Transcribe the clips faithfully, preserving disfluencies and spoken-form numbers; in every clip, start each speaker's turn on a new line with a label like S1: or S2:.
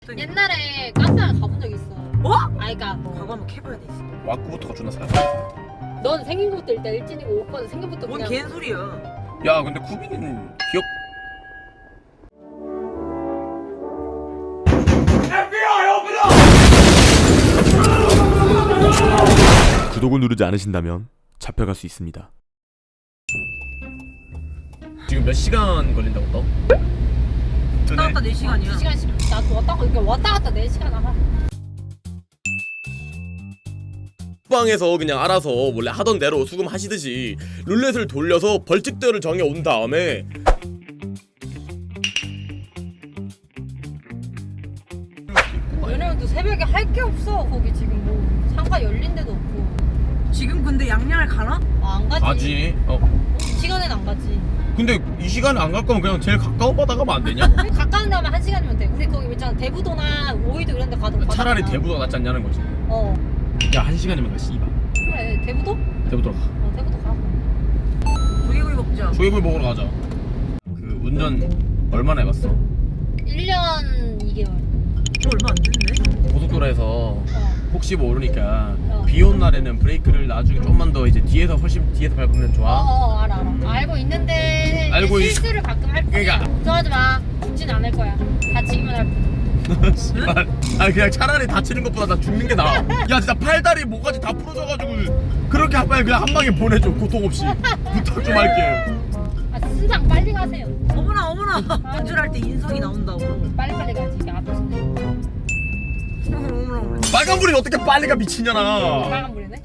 S1: 옛날에 가스를 가본 적 있어.
S2: 어?
S1: 아니 그니까
S2: 과거 한번 캐봐야 돼 있어.
S3: 와꾸부터가 존나 살.
S1: 넌 생긴 것도 일단 일진이고 오빠는 생긴 것도
S2: 뭔
S1: 그냥
S2: 개소리야.
S3: 야 근데 쿠비는 기억.
S4: 구독을 누르지 않으신다면 잡혀갈 수 있습니다.
S3: 지금 몇 시간 걸린다고 너?
S2: 왔다 갔다 네 시간이야.
S1: 두 시간씩 나도 왔다 갔다 그러니까 왔다 갔다 네 시간 하고.
S5: 방에서 그냥 알아서 원래 하던 대로 수금하시듯이 룰렛을 돌려서 벌칙들을 정해 온 다음에
S1: 왜냐면 새벽에 할 게 없어. 거기 지금 뭐 상가 열린 데도 없고.
S2: 지금 근데 양양을 가나?
S1: 아, 안 가지.
S3: 가지. 어.
S1: 이 시간엔 안 가지.
S3: 근데 이 시간에 안 갈 거면 그냥 제일 가까운 바다 가면 안 되냐?
S1: 가까운 데 하면 한 시간이면 돼. 우리 거기 있잖아 대부도나 오이도 이런 데 가도
S3: 차라리
S1: 가잖아.
S3: 대부도가 낫지 않냐는 거지.
S1: 어
S3: 야 한 시간이면 가 씨발.
S1: 그래 대부도?
S3: 대부도 가.
S1: 어 대부도 가.
S2: 조개구이 먹자.
S3: 조개구이 먹으러 가자. 그 운전 얼마나 해봤어?
S1: 일 년 이 개월.
S2: 저 얼마 안 됐네.
S3: 고속도로에서
S1: 어.
S3: 혹시 모르니까
S1: 어.
S3: 비 온 날에는 브레이크를 나중에 좀만 더 이제 뒤에서 훨씬 뒤에서 밟으면 좋아.
S1: 어어 알아 알아. 알고 있는데
S3: 알고 있-
S1: 실수를 가끔 할 뿐이야.
S3: 그러니까.
S1: 걱정하지 마. 죽진 않을 거야. 다치기만 할 뿐.
S3: 씨발. 아니 그냥 차라리 다치는 것보다 나 죽는 게 나아. 야 진짜 팔다리 목까지 다 부러져가지고 그렇게 한 방에 그냥 한 방에 보내줘 고통 없이. 부탁 좀 할게.
S1: 아 순상 빨리 가세요.
S2: 어머나 어머나. 운전할 때 인성이 나온다고.
S1: 빨리 빨리 가지. 이게 앞에서
S2: 어머나 어머나.
S3: 빨간불이 어떻게 빨리 가 미친년아.
S1: 빨간불이네.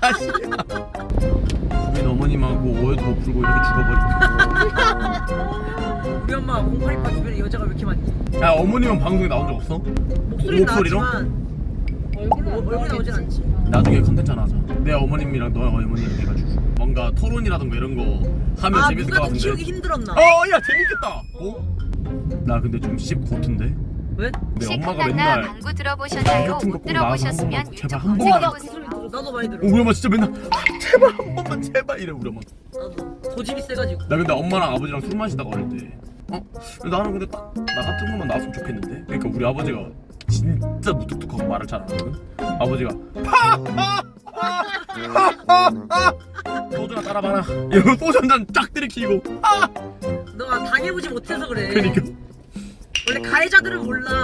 S3: 구빈 어머님하고 오해도 못 풀고 이렇게 죽어버리고.
S2: 우리 엄마 공팔이파 주변에 여자가 왜 이렇게 많니?
S3: 야 어머님은 방송에 나온 적 없어?
S2: 목소리
S3: 목소리로?
S2: 나왔지만
S1: 얼굴은
S2: 어, 얼굴이 나오진 않지.
S3: 나중에 컨텐츠 하나 하자. 내 어머님이랑 너의 어머님 해가지고 뭔가 토론이라든가 이런 거 하면
S2: 아
S3: 재밌을 것
S2: 누가 더
S3: 같은데.
S2: 키우기 힘들었나?
S3: 어야 재밌겠다. 어? 나 근데 좀 씹 고트인데?
S2: 왜?
S3: 내 엄마가
S6: 시크하나
S3: 맨날
S6: 방구 들어보셨나요?
S3: 같은 거
S6: 못
S3: 꼭 나와서 한
S6: 들어보셨으면
S3: 번만 제발
S6: 유튜브
S3: 한
S1: 어,
S3: 번만.
S1: 나 그 소리 들었어.
S2: 나도 많이 들어.
S3: 어, 우리 엄마 진짜 맨날 아, 제발 한 번만 제발 이래 우리 엄마.
S2: 나도 고집이 세가지고.
S3: 나 근데 엄마랑 아버지랑 술 마시다가 어릴 때 어? 나는 근데 딱 나 같은 것만 나왔으면 좋겠는데. 그러니까 우리 아버지가 진짜 무뚝뚝하고 말을 잘 안 하거든. 아버지가 파하하하하하 소주나 따라봐라 이러고 소주 한잔 쫙 들이키고 아!
S2: 너가 당해보지 못해서 그래.
S3: 그러니까
S2: 원래 가해자들은 몰라.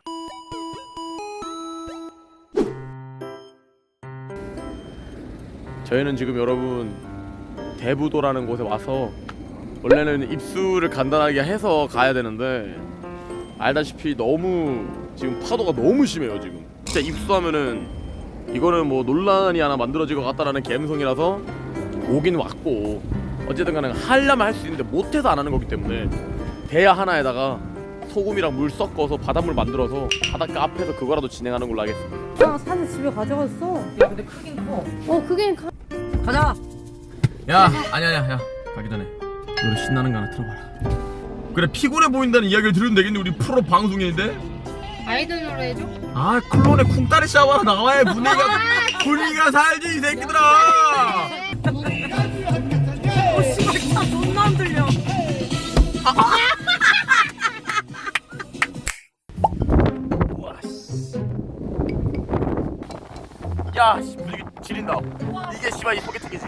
S5: 저희는 지금 여러분 대부도라는 곳에 와서 원래는 입수를 간단하게 해서 가야 되는데 알다시피 너무 지금 파도가 너무 심해요. 지금 진짜 입수하면은 이거는 뭐 논란이 하나 만들어질 것 같다라는 감성이라서 오긴 왔고 어쨌든 간에 하려면 할 수 있는데 못해서 안 하는 거기 때문에 대야 하나에다가 소금이랑 물 섞어서 바닷물 만들어서 바닷가 앞에서 그거라도 진행하는 걸로 하겠습니다.
S1: 아 사실 집에 가져갔어.
S2: 야 근데 크긴 커.
S1: 어 그게 가...
S2: 가자.
S3: 야 아니야 아니야 야 가기 전에 노래 신나는 거 하나 틀어봐라. 그래 피곤해 보인다는 이야기를 들으면 되겠네. 우리 프로 방송인데.
S1: 아이돌 노래 해줘.
S3: 아 클론의 쿵따리 샤워나 나와야 분위기가 분위기가 살지 이 새끼들아.
S2: 어 씨발 차 존나 안 들려.
S5: 야, 씨, 분위기 지린다. 이게 씨발 이 소개팅이지.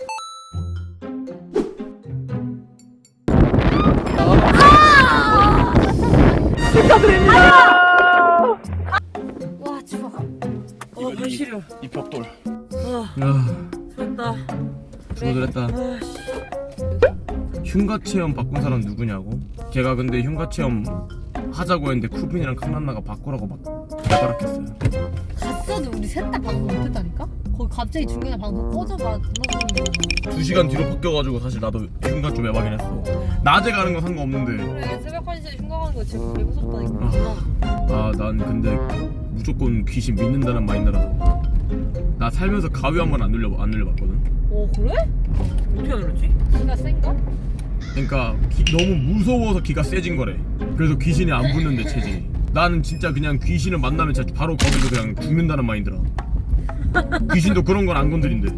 S1: 와 추워.
S2: 어 발시려.
S5: 이 벽돌.
S2: 아
S3: 야
S2: 좋다.
S3: 죽어들었다.
S2: 아 씨.
S3: 흉가 체험 바꾼 사람 누구냐고? 걔가 근데 흉가 체험 하자고 했는데 쿠빈이랑 칸난나가 바꾸라고 막 대바락했어요.
S1: 갔어도 우리 셋 다 방송 못했다니까? 거기 갑자기 중간에 방송 꺼져봐.
S3: 두 시간 뒤로 바뀌어가지고 사실 나도 흉가 좀 에바긴 했어. 낮에 가는 건 상관없는데.
S1: 그래 새벽 한 시에 흉가 가는 거 진짜 개 무섭다니까.
S3: 아 난 근데 무조건 귀신 믿는다는 마인드라서 나 살면서 가위 한 번 안 눌려 안 눌려봤거든.
S1: 오 그래?
S2: 어떻게 알았지?
S1: 기가 센가?
S3: 그러니까 기, 너무 무서워서 기가 세진 거래. 그래서 귀신이 안 붙는데 체질이. 나는 진짜 그냥 귀신을 만나면 진짜 바로 거기서 그냥 죽는다는 마인드라. 귀신도 그런 건 안 건드린대.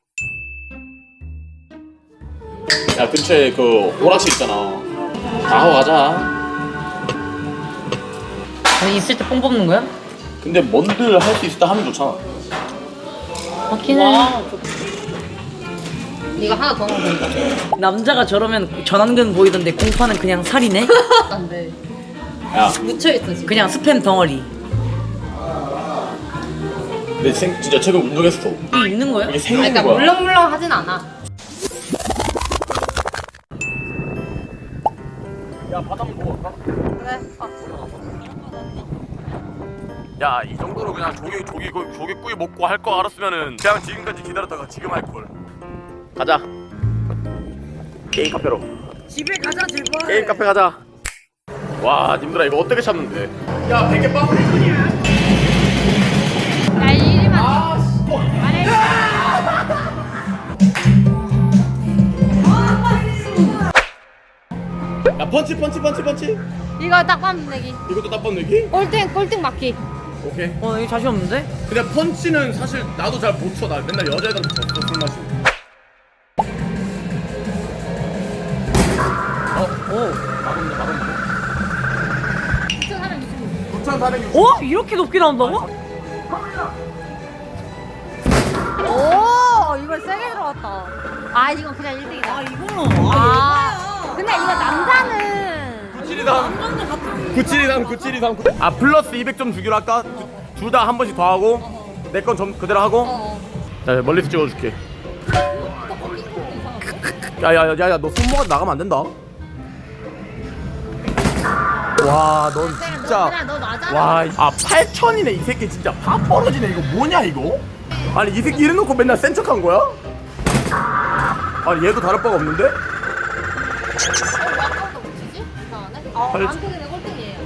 S5: 야 근처에 그 오락실 있잖아. 다 하고 가자.
S2: 아니 있을 때 뽕 뽑는 거야?
S5: 근데 뭔들 할 수 있을 때 하면 좋잖아.
S1: 맞긴 해. 이거 하나 더 넣으면 된다.
S2: 남자가 저러면 전완근 보이던데 공파는 그냥 살이네?
S1: 안 돼.
S5: 야,
S1: 묻혀있어 지금.
S2: 그냥 스팸 덩어리.
S5: 근데 생, 진짜 최근 운동했어.
S2: 이게 있는 거야?
S5: 이게
S1: 아,
S5: 생긴
S1: 그러니까
S5: 거야.
S1: 물렁물렁 하진 않아.
S5: 야, 바다 한번 보고 갈까?
S1: 그래.
S5: 야, 이 정도로 그냥 조개 조개 구- 조개구이 먹고 할 거 알았으면은 그냥 지금까지 기다렸다가 지금 할 걸. 가자. 게임 카페로.
S2: 집에 가자 제발.
S5: 게임 카페 가자. 와, 님들아 이거 어떻게 참는데? 야, 베개 빵.
S1: 야 이리만.
S5: 아, 씨.
S1: 안해.
S5: 야, 펀치 펀치 펀치 펀치.
S1: 이거 딱밤 내기.
S5: 이것도 딱번 내기?
S1: 꼴등 꼴등 맞기.
S5: 오케이.
S2: 어 여기 자신 없는데?
S5: 근데 펀치는 사실 나도 잘 못 쳐. 나 맨날 여자애들한테 졌어 술 마시고. 어, 오, 막았네, 막았네. 구천사백육십.
S2: 어? 이렇게 높게 나온다고?
S1: 오 이거 세게 들어갔다. 아 이건 그냥 일 등이다.
S2: 아 이거는
S1: 아,
S2: 아
S1: 근데 이거 남자는
S5: 구칠이삼 구칠이삼 구칠이삼 아 플러스 이백 점 주기로 할까? 둘 다 한 번씩 더 하고 내 건 좀 그대로 하고
S1: 어.
S5: 자 멀리서 찍어줄게. 야야야야 너 손모가 나가면 안 된다. 와 넌 진짜
S1: 그냥 너 맞아.
S5: 와아 팔천이네 이 새끼 진짜 파 벌어지네. 이거 뭐냐 이거? 아니 이 새끼 이래놓고 맨날 센 척한 거야? 아니 얘도 다를 바가 없는데?
S1: 아까부터 못 치지? 이상하네. 어,
S5: 팔-
S1: 아무튼 그냥 꼴등이에요.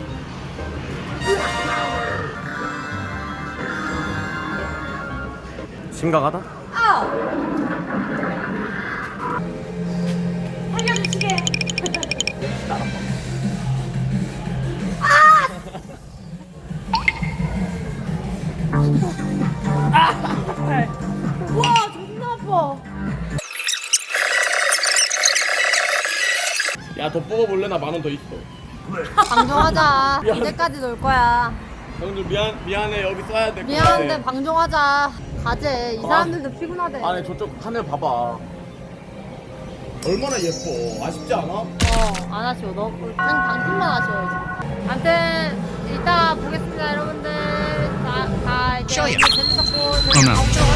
S5: 심각하다?
S1: 살려주시게. 와 존나 아파.
S5: 야 더 뽑아볼래? 나 만 원 더 있어.
S1: 방종하자. 언제까지 놀 거야?
S5: 형들 미안 미안해 여기 써야 될 것 같아.
S1: 미안한데 방종하자. 가재. 이 사람들도 피곤하대.
S5: 아니 저쪽 하늘 봐봐. 얼마나 예뻐. 아쉽지 않아?
S1: 어, 안 아쉬워. 너 방, 방송만 아쉬워 지금. 아무튼 이따 보겠습니다, 여러분들. 다, 다 이제 오늘 재밌었고 저희 가보도록